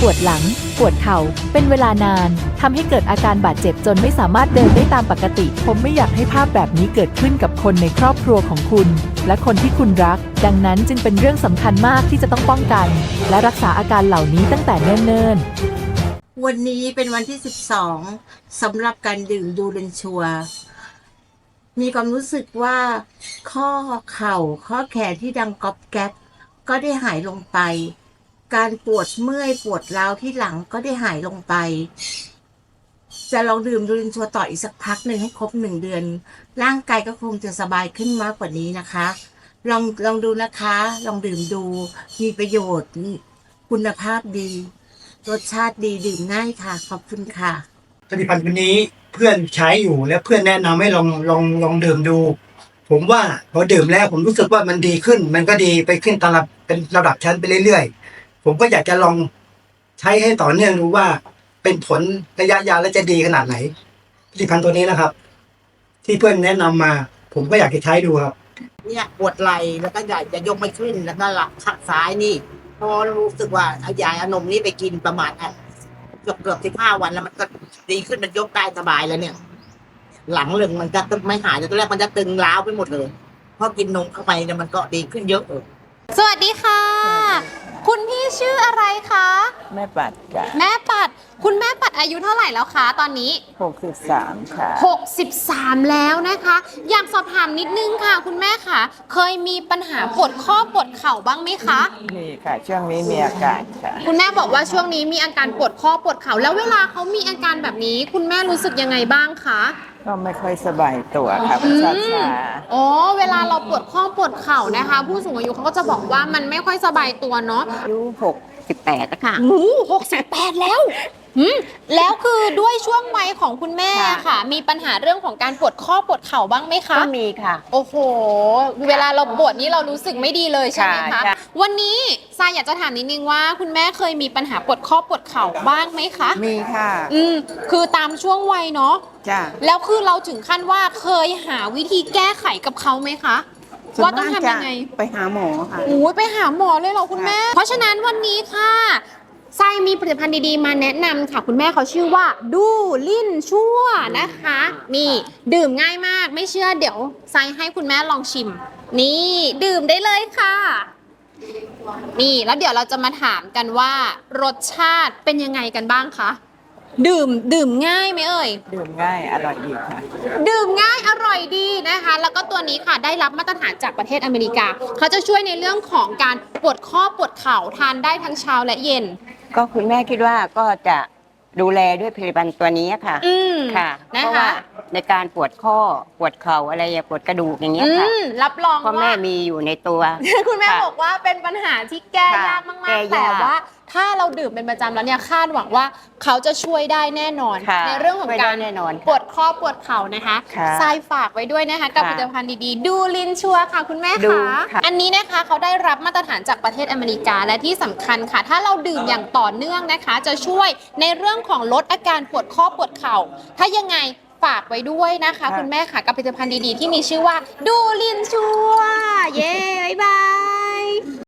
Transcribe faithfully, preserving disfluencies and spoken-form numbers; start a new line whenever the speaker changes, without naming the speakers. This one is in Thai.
ปวดหลังปวดเข่าเป็นเวลานานทำให้เกิดอาการบาดเจ็บจนไม่สามารถเดินได้ตามปกติผมไม่อยากให้ภาพแบบนี้เกิดขึ้นกับคนในครอบครัวของคุณและคนที่คุณรักดังนั้นจึงเป็นเรื่องสำคัญมากที่จะต้องป้องกันและรักษาอาการเหล่านี้ตั้งแต่เนิ่นๆ
วันนี้เป็นวันที่สิบสองสำหรับการดื่มดูเรนชัวมีความรู้สึกว่าข้อเข่าข้อแขนที่ดังก๊อบแก๊บก็ได้หายลงไปการปวดเมื่อยปวดร้าวที่หลังก็ได้หายลงไปจะลองดื่มดูเรนชัวต่ออีกสักพักหนึ่งให้ครบหนึ่งเดือนร่างกายก็คงจะสบายขึ้นมากกว่านี้นะคะลองลองดูนะคะลองดื่มดูมีประโยชน์คุณภาพดีรสชาติดีดื่มง่ายค่ะขอบคุณค่ะ
ผลิตภัณฑ์ตัวนี้เพื่อนใช้อยู่และเพื่อนแนะนำให้ลองลองลองดื่มดูผมว่าพอดื่มแล้วผมรู้สึกว่ามันดีขึ้นมันก็ดีไปขึ้นตามเป็นระดับชั้นไปเรื่อยๆผมก็อยากจะลองใช้ให้ต่อเนื่องดูว่าเป็นผลระยะยาวและจะดีขนาดไหนผลิตภัณฑ์ตัวนี้นะครับที่เพื่อนแนะนำมาผมก็อยากจะใช้ดูครับ
เนี่ยปวดไหล่แล้วก็อยากจะยกไม่ขึ้นแล้วก็หลังข้างซ้ายนี่พอรู้สึกว่าเอายาอนมนี่ไปกินประมาณเกือบเกือบสิบห้าวันแล้วมันก็ดีขึ้นมันยกได้สบายแล้วเนี่ยหลังลึงมันจะไม่หายแต่ตอนแรกมันจะตึงร้าวไปหมดเลยพอกินนมเข้าไปเนี่ยมันก็ดีขึ้นเยอะเลย
สวัสดีค่ะ คุณพี่ชื่ออะไรคะ
แม่ปัดจ้ะ
แม่ปัดคุณแม่ปัดอายุเท่าไหร่แล้วคะตอนนี้
หกสิบสามค่ะ
หกสิบสามแล้วนะคะอยากสอบถามนิดนึงค่ะคุณแม่ค่ะเคยมีปัญหาปวดข้อปวดเข่าบ้างไหมคะ
มีค่ะช่วงนี้มีอาการค่ะ
คุณแม่บอกว่าช่วงนี้มีอาการปวดข้อปวดเข่าแล้วเวลาเขามีอาการแบบนี้คุณแม่รู้สึกยังไงบ้างคะ
ก็ไม่ค่อยสบายตัวค่ะชาชา
อ๋อเวลาเราปวดข้อปวดเข่านะคะผู้สูงอายุเขาก็จะบอกว่ามันไม่ค่อยสบายตัวเนาะ
อายุหกสิบแปดแล้วค่ะ
โอ้หกสิบแปดแล้วอืมแล้วคือด้วยช่วงวัยของคุณแม่ค่ะมีปัญหาเรื่องของการปวดข้อปวดเข่าบ้างไหมคะ
ก็มีค่ะ
โอ้โหเวลาเราปวดนี้เรารู้สึกไม่ดีเลยใช่ไหมคะวันนี้ทรายอยากจะถามนิดนึงว่าคุณแม่เคยมีปัญหาปวดข้อปวดเข่าบ้างไหมคะ
มีค่ะ
อืมคือตามช่วงวัยเนาะ
จ้ะ
แล้วคือเราถึงขั้นว่าเคยหาวิธีแก้ไขกับเขาไหมคะว่าต้องทำยังไง
ไปหาหมอค่ะ
โอ้ยไปหาหมอเลยเหรอคุณแม่เพราะฉะนั้นวันนี้ค่ะไซมีผลิตภัณฑ์ดีๆมาแนะนำค่ะคุณแม่เขาชื่อว่าดูลิ่นชั่วนะคะนี่ดื่มง่ายมากไม่เชื่อเดี๋ยวไซให้คุณแม่ลองชิมนี่ดื่มได้เลยค่ะนี่แล้วเดี๋ยวเราจะมาถามกันว่ารสชาติเป็นยังไงกันบ้างคะดื่มดื่มง่ายไหมเอ่ย
ดื่มง่ายอร่อยดีค่ะ
ดื่มง่ายอร่อยดีนะคะแล้วก็ตัวนี้ค่ะได้รับมาตรฐานจากประเทศอเมริกาเขาจะช่วยในเรื่องของการปวดข้อปวดเข่าทานได้ทั้งเช้าและเย็น
ก็คุณแม่คิดว่าก็จะดูแลด้วยผลิตภัณฑ์ตัวนี้ค่ะค่ะเพราะว่าในการปวดข้อปวดเข่าอะไรอย่าปวดกระดูกอย่างเงี้ยค่ะ
รับรองว่า
พ่อแม่มีอยู่ในตัว
คุณแม่บอกว่าเป็นปัญหาที่แก้ยากมากๆแต่ว่าถ้าเราดื่มเป็นประจำแล้วเนี่ยคาดหวังว่าเขาจะช่วยได้แน่นอนในเรื่องของการปวดข้อปวดเข่านะคะทรายฝากไว้ด้วยนะคะกับผลิตภัณฑ์ดีๆดูลินชัวค่ะคุณแม่คะอันนี้นะคะเขาได้รับมาตรฐานจากประเทศอเมริกาและที่สำคัญค่ะถ้าเราดื่มอย่างต่อเนื่องนะคะจะช่วยในเรื่องของลดอาการปวดข้อปวดเข่าถ้ายังไงฝากไว้ด้วยนะคะคุณแม่ค่ะกับผลิตภัณฑ์ดีๆที่มีชื่อว่าดูลินชัวเย้บ๊ายบาย